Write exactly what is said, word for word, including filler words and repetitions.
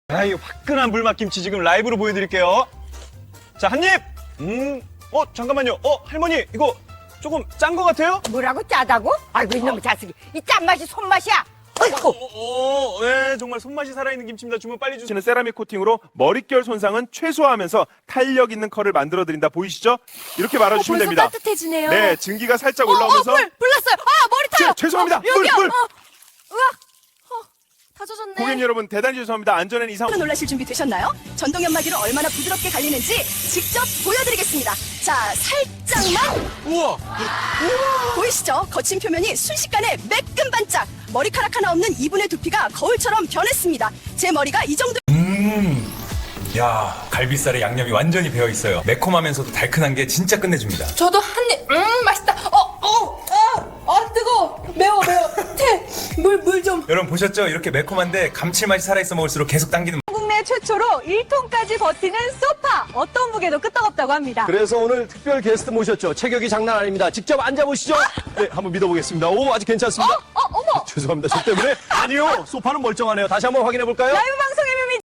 아, 이 화끈한 불맛김치 지금 라이브로 보여드릴게요. 자, 한 입! 음, 어, 잠깐만요. 어, 할머니, 이거 조금 짠 것 같아요? 뭐라고 짜다고? 아이고 이놈의 자식이 이 짠맛이 손맛이야. 어이구. 오, 오, 네, 정말 손맛이 살아있는 김치입니다. 주문 빨리 주시는 세라믹 코팅으로 머릿결 손상은 최소화하면서 탄력 있는 컬을 만들어드린다. 보이시죠? 이렇게 말아주시면 벌써 됩니다. 따뜻해지네요. 네, 증기가 살짝 어, 어, 올라오면서. 불, 불 났어요. 아, 머리 타요. 죄- 죄송합니다. 어, 여기요. 물, 물. 어, 으악. 어, 다 젖었네. 고객 여러분, 대단히 죄송합니다. 안전엔 이상. 놀라실 준비 되셨나요? 전동 연마기로 얼마나 부드럽게 갈리는지 직접 보여드리겠습니다. 자, 살짝만. 우와! 보이시죠? 거친 표면이 순식간에 매끈 반짝. 머리카락 하나 없는 이분의 두피가 거울처럼 변했습니다. 제 머리가 이 정도. 음, 야, 갈비살에 양념이 완전히 배어 있어요. 매콤하면서도 달큰한 게 진짜 끝내줍니다. 저도 한 입, 음, 맛있다. 어, 어, 아, 아, 뜨거워. 매워, 매워. 태, 물, 물 좀. 여러분 보셨죠? 이렇게 매콤한데 감칠맛이 살아있어 먹을수록 계속 당기는. 국내 최초로 일 톤까지 버티는 소파. 어떤 무게도 끄떡없다고 합니다. 그래서 오늘 특별 게스트 모셨죠. 체격이 장난 아닙니다. 직접 앉아보시죠. 네, 한번 믿어보겠습니다. 오, 아직 괜찮습니다. 어, 어머. 죄송합니다. 저 때문에? 아니요. 소파는 멀쩡하네요. 다시 한번 확인해 볼까요? 라이브